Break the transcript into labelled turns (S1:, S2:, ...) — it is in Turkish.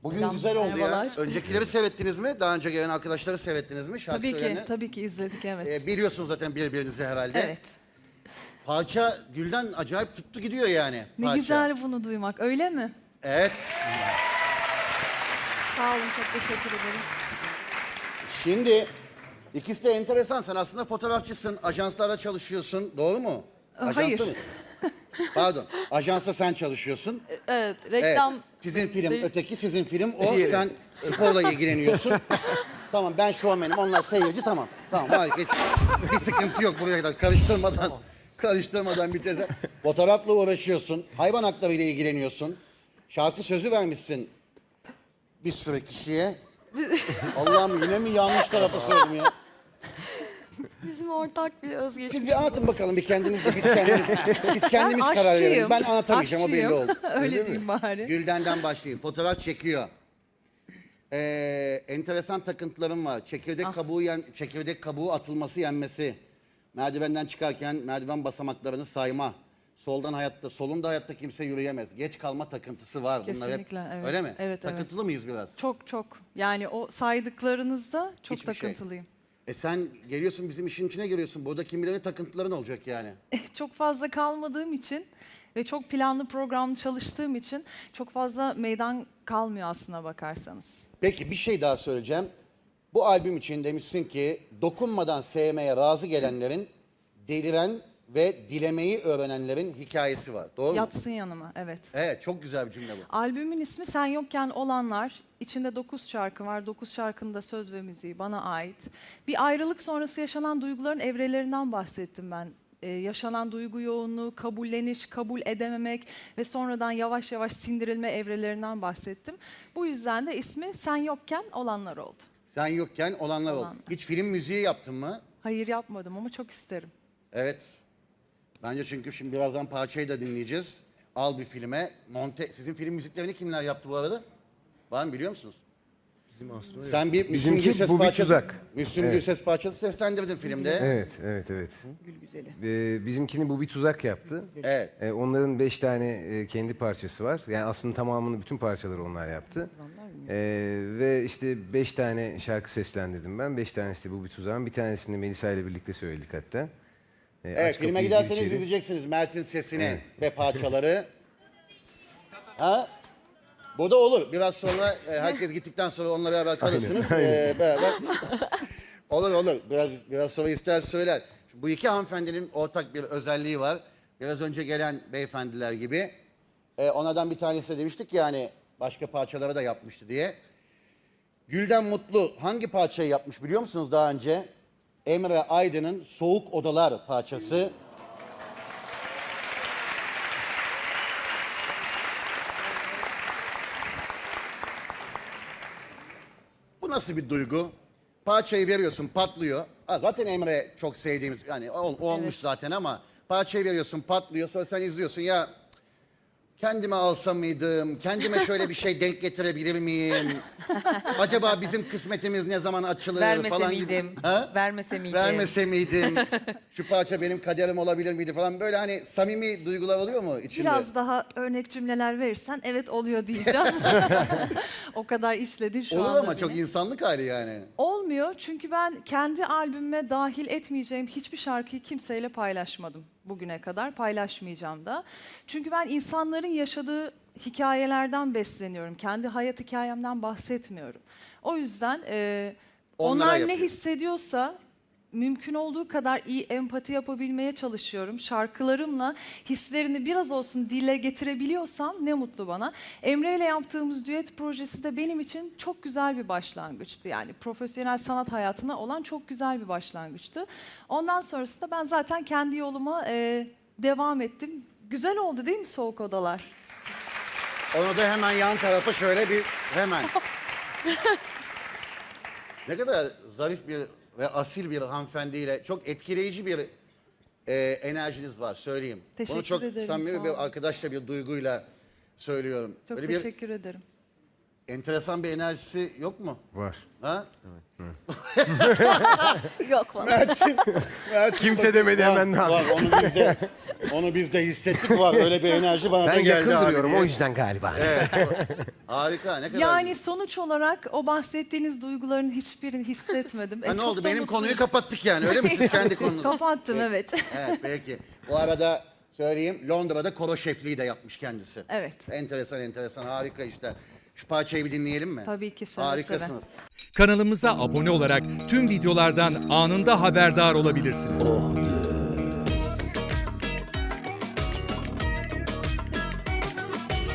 S1: Bugün güzel oldu ya.
S2: merhabalar.
S1: Öncekileri seyrettiniz mi? Daha önce gelen arkadaşları seyrettiniz mi? Şarkı
S2: Tabii ki,
S1: söyleyenleri.
S2: tabii ki izledik, evet.
S1: Biliyorsunuz zaten birbirinizi herhalde.
S2: Evet.
S1: Parça Gül'den acayip tuttu gidiyor yani.
S2: Ne
S1: parça.
S2: güzel bunu duymak, öyle mi?
S1: Evet.
S2: Sağ olun, çok teşekkür ederim.
S1: Şimdi ikisi de enteresan. Sen aslında fotoğrafçısın, ajanslarda çalışıyorsun. Doğru mu? Ajansta
S2: Hayır.
S1: mı? Pardon. Ajansta sen çalışıyorsun.
S3: Evet,
S1: Evet.
S3: reklam
S1: Sizin film
S3: değil.
S1: öteki, sizin film o. Sen sporla ilgileniyorsun. Tamam, ben şovmenim, onlar seyirci, tamam. Tamam, harika. Bir sıkıntı yok buraya kadar. Karıştırmadan bir teze. Fotoğrafla uğraşıyorsun. Hayvan hakları ile ilgileniyorsun. Şarkı sözü vermişsin bir sürü kişiye. Allah'ım, yine mi yanlış tarafa söyledim ya?
S3: Bizim ortak bir özgeçmiş.
S1: Siz bir anlatın bakalım bir kendiniz de biz kendimiz
S2: Ben
S1: karar verelim.
S2: aşçıyım.
S1: Ben anlatamayacağım, o belli
S2: Aşçıyım.
S1: oldu.
S2: Öyle diyeyim bari.
S1: Gülden'den başlayayım. Fotoğraf çekiyor. Enteresan takıntılarım var. Çekirdek kabuğu atılması, yenmesi. Merdivenden çıkarken merdiven basamaklarını sayma. Solunda hayatta kimse yürüyemez. Geç kalma takıntısı var. Bunlar hep,
S2: Kesinlikle, evet.
S1: öyle mi?
S2: Evet, evet.
S1: Takıntılı mıyız biraz?
S2: Çok çok. Yani o saydıklarınızda çok
S1: Hiçbir şey.
S2: takıntılıyım.
S1: Sen geliyorsun, bizim işin içine giriyorsun. Burada kim bilir ne takıntıların olacak yani.
S2: Çok fazla kalmadığım için ve çok planlı programlı çalıştığım için çok fazla meydan kalmıyor aslına bakarsanız.
S1: Peki bir şey daha söyleyeceğim. Bu albüm için demişsin ki dokunmadan sevmeye razı gelenlerin, deliren ve dilemeyi öğrenenlerin hikayesi var. Doğru mu?
S2: Yatsın yanıma, evet.
S1: Evet, çok güzel bir cümle bu.
S2: Albümün ismi Sen Yokken Olanlar. İçinde 9 şarkı var. 9 şarkının da söz ve müziği bana ait. Bir ayrılık sonrası yaşanan duyguların evrelerinden bahsettim ben. Yaşanan duygu yoğunluğu, kabulleniş, kabul edememek ve sonradan yavaş yavaş sindirilme evrelerinden bahsettim. Bu yüzden de ismi Sen Yokken Olanlar oldu.
S1: Sen yokken olanlar oldu.
S2: Olanlar.
S1: Hiç film müziği yaptın mı?
S2: Hayır, yapmadım ama çok isterim.
S1: Evet. Bence çünkü şimdi birazdan parçayı da dinleyeceğiz. Al bir filme. Sizin film müziklerini kimler yaptı bu arada? Var mı, biliyor musunuz? Sen bir Müslüm
S4: Bizimki
S1: Gürses
S4: Bu Bir
S1: parçası,
S4: Tuzak.
S1: Müslüm
S4: Evet.
S1: Gürses parçası seslendirdin filmde.
S4: Evet. Bizimkini Bu Bir Tuzak yaptı.
S1: Evet.
S4: Onların 5 tane kendi parçası var. Yani aslında tamamını, bütün parçaları onlar yaptı. Ve işte 5 tane şarkı seslendirdim ben. 5 tanesi de Bu Bir Tuzak'ın. Bir tanesini Melisa ile birlikte söyledik hatta.
S1: Evet,
S4: Aç
S1: filme
S4: Kapıyı,
S1: giderseniz
S4: Gir İçeri.
S1: izleyeceksiniz Mert'in sesini
S4: Evet.
S1: ve parçaları. Ha? Bu da olur. Biraz sonra herkes gittikten sonra onunla beraber kalırsınız. Beraber. Olur. Biraz sonra ister söyler. Bu iki hanımefendinin ortak bir özelliği var. Biraz önce gelen beyefendiler gibi. Onlardan bir tanesi de demiştik ya hani başka parçaları da yapmıştı diye. Gülden Mutlu hangi parçayı yapmış biliyor musunuz daha önce? Emre Aydın'ın Soğuk Odalar parçası. Bu nasıl bir duygu? Parçayı veriyorsun, patlıyor. Zaten Emre çok sevdiğimiz, yani olmuş
S2: Evet.
S1: zaten ama parçayı veriyorsun, patlıyor. Sonra sen izliyorsun, ya kendime alsam mıydım? Kendime şöyle bir şey denk getirebilir miyim? Acaba bizim kısmetimiz ne zaman açılır
S3: Vermese
S1: falan gibi.
S3: miydim?
S1: Ha?
S3: Vermese miydim?
S1: Vermese miydim? Şu parça benim kaderim olabilir miydi falan, böyle hani samimi duygular oluyor mu içinde?
S2: Biraz daha örnek cümleler verirsen evet oluyor diyeceğim. O kadar işledin şu
S1: Olur
S2: anda
S1: ama
S2: beni.
S1: çok insanlık hali yani.
S2: Olmuyor çünkü ben kendi albümüme dahil etmeyeceğim hiçbir şarkıyı kimseyle paylaşmadım bugüne kadar. Paylaşmayacağım da. Çünkü ben insanların yaşadığı hikayelerden besleniyorum. Kendi hayat hikayemden bahsetmiyorum. O yüzden
S1: Onlara
S2: onlar ne
S1: yapıyor.
S2: hissediyorsa mümkün olduğu kadar iyi empati yapabilmeye çalışıyorum. Şarkılarımla hislerini biraz olsun dile getirebiliyorsam ne mutlu bana. Emre ile yaptığımız düet projesi de benim için çok güzel bir başlangıçtı. Yani profesyonel sanat hayatına olan çok güzel bir başlangıçtı. Ondan sonrasında ben zaten kendi yoluma devam ettim. Güzel oldu değil mi Soğuk Odalar?
S1: Onu da hemen yan tarafa şöyle bir hemen. Ne kadar zarif bir ve asil bir hanımefendiyle çok etkileyici bir enerjiniz var, söyleyeyim. Bunu
S2: Teşekkür
S1: çok
S2: ederim, sağ
S1: samimi bir
S2: olun.
S1: arkadaşla bir duyguyla söylüyorum.
S2: Çok
S1: Böyle
S2: teşekkür ederim.
S1: enteresan bir enerjisi yok mu?
S4: Var.
S1: Ha?
S3: Yok falan.
S1: Mert'in
S4: Kimse demedi,
S1: var,
S4: hemen ne
S1: var, onu biz de hissettik, var. Öyle bir enerji bana da
S4: Ben
S1: geldi
S4: yakın
S1: abi
S4: duruyorum
S1: diye.
S4: o yüzden galiba.
S1: Harika, ne kadar
S2: Yani
S1: güzel.
S2: sonuç olarak o bahsettiğiniz duyguların hiçbirini hissetmedim.
S1: Ha, ne
S2: çok
S1: oldu?
S2: da
S1: Benim
S2: mutluyum.
S1: konuyu kapattık yani, öyle mi? Siz kendi konunuzu.
S2: Kapattım, evet.
S1: Evet, peki. Bu arada söyleyeyim, Londra'da koro şefliği de yapmış kendisi.
S2: Evet.
S1: Enteresan, harika işte. Şu parçayı bir dinleyelim mi?
S2: Tabii ki, seve
S1: Harikasınız.
S5: Kanalımıza abone olarak tüm videolardan anında haberdar olabilirsiniz.